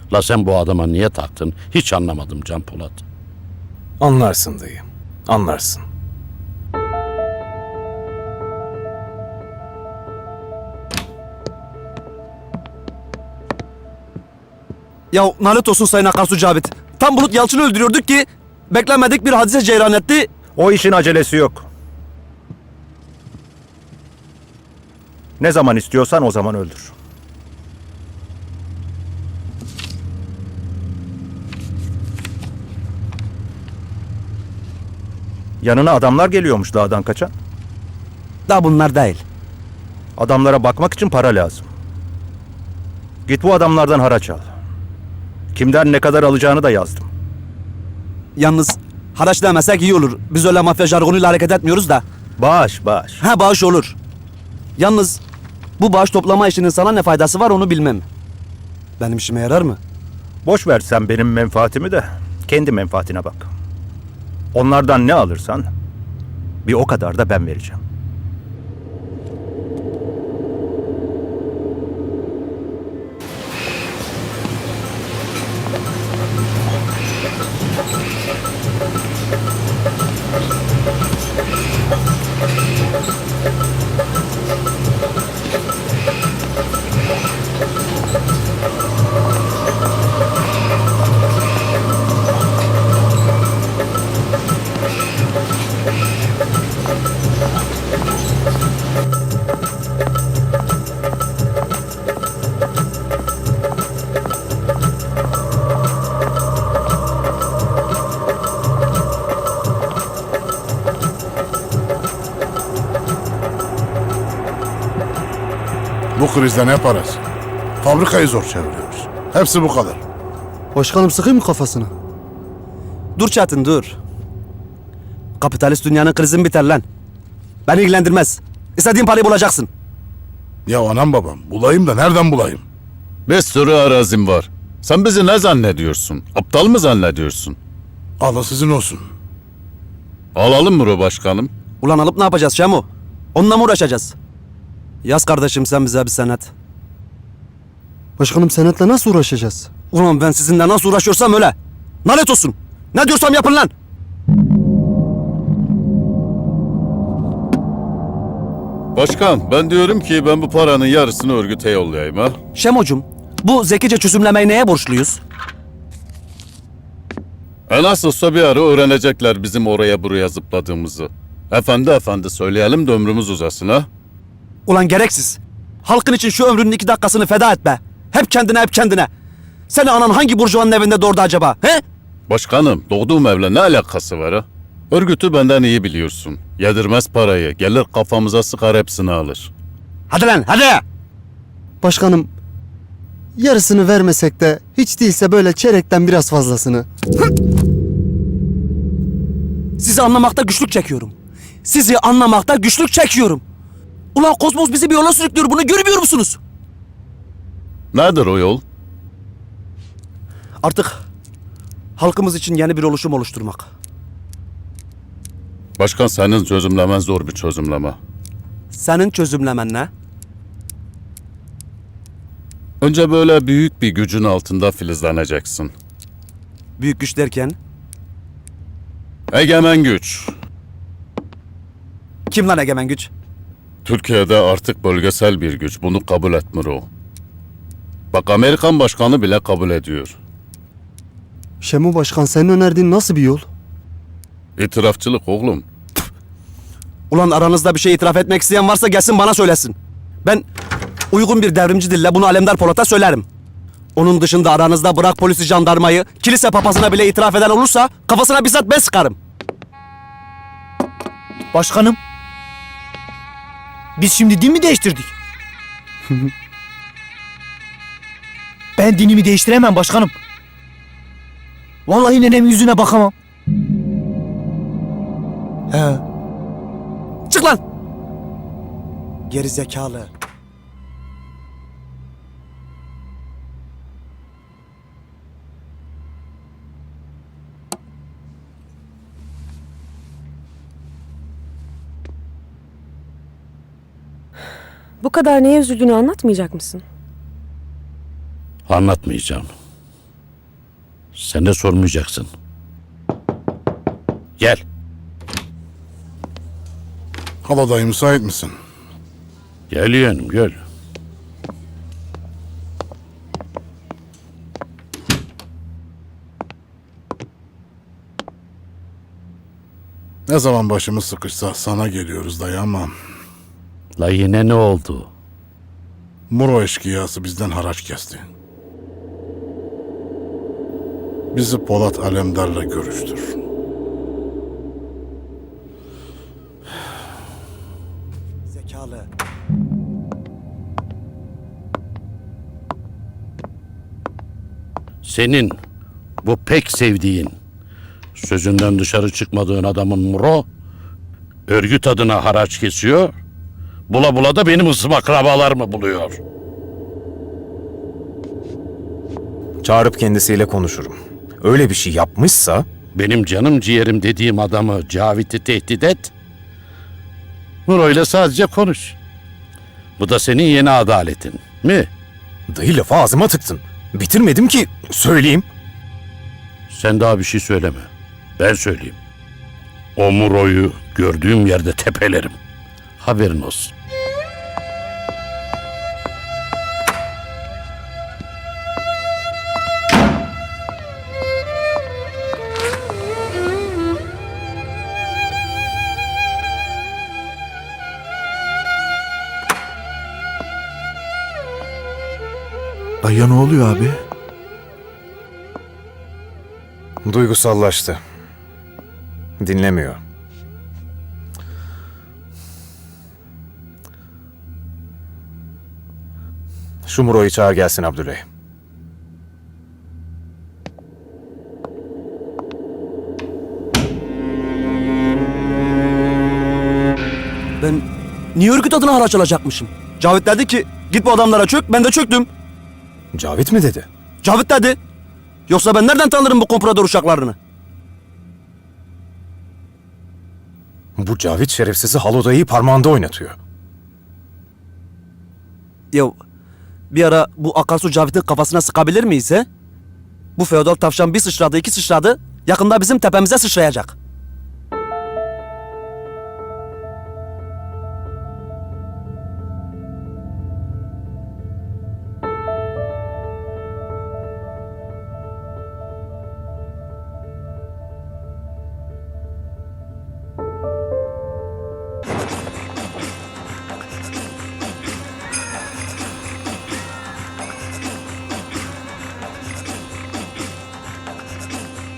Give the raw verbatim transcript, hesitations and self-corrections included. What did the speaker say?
La sen bu adama niye taktın? Hiç anlamadım Can Polat. Anlarsın dayı, anlarsın. Ya nalet olsun Sayın Akarsu Cavit. Tam Bulut Yalçın'ı öldürüyorduk ki beklenmedik bir hadise cereyan etti. O işin acelesi yok. Ne zaman istiyorsan o zaman öldür. Yanına adamlar geliyormuş dağdan kaçan. Da bunlar değil. Adamlara bakmak için para lazım. Git bu adamlardan haraç al. Kimden ne kadar alacağını da yazdım. Yalnız haraç demesek iyi olur. Biz öyle mafya jargonuyla hareket etmiyoruz da. Bağış, bağış. Ha bağış olur. Yalnız bu bağış toplama işinin sana ne faydası var onu bilmem. Benim işime yarar mı? Boş ver sen benim menfaatimi de kendi menfaatine bak. Onlardan ne alırsan bir o kadar da ben vereceğim. Bu krizde ne parası? Fabrikayı zor çeviriyoruz. Hepsi bu kadar. Başkanım sıkayım mı kafasına? Dur Çetin dur. Kapitalist dünyanın krizin biter lan. Beni ilgilendirmez. İstediğin parayı bulacaksın. Ya anam babam bulayım da nereden bulayım? Bir sürü arazim var. Sen bizi ne zannediyorsun? Aptal mı zannediyorsun? Allah sizin olsun. Alalım mı başkanım? Ulan alıp ne yapacağız Şemo? Onunla mı uğraşacağız? Yaz kardeşim sen bize bir senet. Başkanım senetle nasıl uğraşacağız? Ulan ben sizinle nasıl uğraşıyorsam öyle. Lanet olsun. Ne diyorsam yapın lan. Başkan, ben diyorum ki ben bu paranın yarısını örgüte yollayayım ha. Şemocum, bu zekice çözümlemeyi neye borçluyuz? E nasılsa bir ara öğrenecekler bizim oraya buraya zıpladığımızı. Efendi efendi söyleyelim de ömrümüz uzasın ha. Ulan gereksiz. Halkın için şu ömrünün iki dakikasını feda et be. Hep kendine hep kendine. Seni anan hangi burjuvanın evinde doğurdu acaba? He? Başkanım, doğduğum evle ne alakası var ha? Örgütü benden iyi biliyorsun. Yedirmez parayı, gelir kafamıza sıkar hepsini alır. Hadi lan hadi. Başkanım yarısını vermesek de hiç değilse böyle çeyrekten biraz fazlasını. Sizi anlamakta güçlük çekiyorum. Sizi anlamakta güçlük çekiyorum. Ulan Kozmos bizi bir yola sürüklüyor, bunu görmüyor musunuz? Nedir o yol? Artık halkımız için yeni bir oluşum oluşturmak. Başkan, senin çözümlemen zor bir çözümleme. Senin çözümlemen ne? Önce böyle büyük bir gücün altında filizleneceksin. Büyük güç derken Egemen güç. kim lan egemen güç? Türkiye'de artık bölgesel bir güç. Bunu kabul etmiyor o. Bak, Amerikan başkanı bile kabul ediyor. Şemu Başkan senin önerdiğin nasıl bir yol? İtirafçılık oğlum. Ulan aranızda bir şey itiraf etmek isteyen varsa gelsin bana söylesin. Ben uygun bir devrimci dille bunu Alemdar Polat'a söylerim. Onun dışında aranızda bırak polisi jandarmayı, kilise papazına bile itiraf eden olursa kafasına bizzat ben sıkarım. Başkanım. Biz şimdi din mi değiştirdik? Ben dinimi değiştiremem başkanım. Vallahi nenemin yüzüne bakamam. He. Çık lan! Geri zekalı. Bu kadar neye üzüldüğünü anlatmayacak mısın? Anlatmayacağım. Sen de sormayacaksın. Gel. Hala dayı müsait misin? Gel yeğenim gel. Ne zaman başımız sıkışsa sana geliyoruz dayı ama La yine ne oldu? Muro eşkıyası bizden haraç kesti. Bizi Polat Alemdar'la görüştür. Zekalı. Senin bu pek sevdiğin, sözünden dışarı çıkmadığın adamın Muro, örgüt adına haraç kesiyor, bula bula da benim ısım akrabalarımı buluyor. Çağırıp kendisiyle konuşurum. Öyle bir şey yapmışsa Benim canım ciğerim dediğim adamı Cavit'i tehdit et, Muro ile sadece konuş. Bu da senin yeni adaletin, mi? dayı lafı ağzıma tıktın. Bitirmedim ki söyleyeyim. Sen daha bir şey söyleme. Ben söyleyeyim. O Muro'yu gördüğüm yerde tepelerim. Haberin olsun. Dayıya ne oluyor abi? Duygusallaştı. Dinlemiyor. Şu Muro'yu çağır gelsin Abdüley. Ben niye örgüt adına haraç alacakmışım? Cavit dedi ki git bu adamlara çök, ben de çöktüm. Cavit mi dedi? Cavit dedi. Yoksa ben nereden tanırım bu komprador uşaklarını? Bu Cavit şerefsizi Halodayı parmağında oynatıyor. Ya bir ara bu akarsu Cavit'in kafasına sıkabilir miyiz he? Bu feodal tavşan bir sıçradı iki sıçradı yakında bizim tepemize sıçrayacak.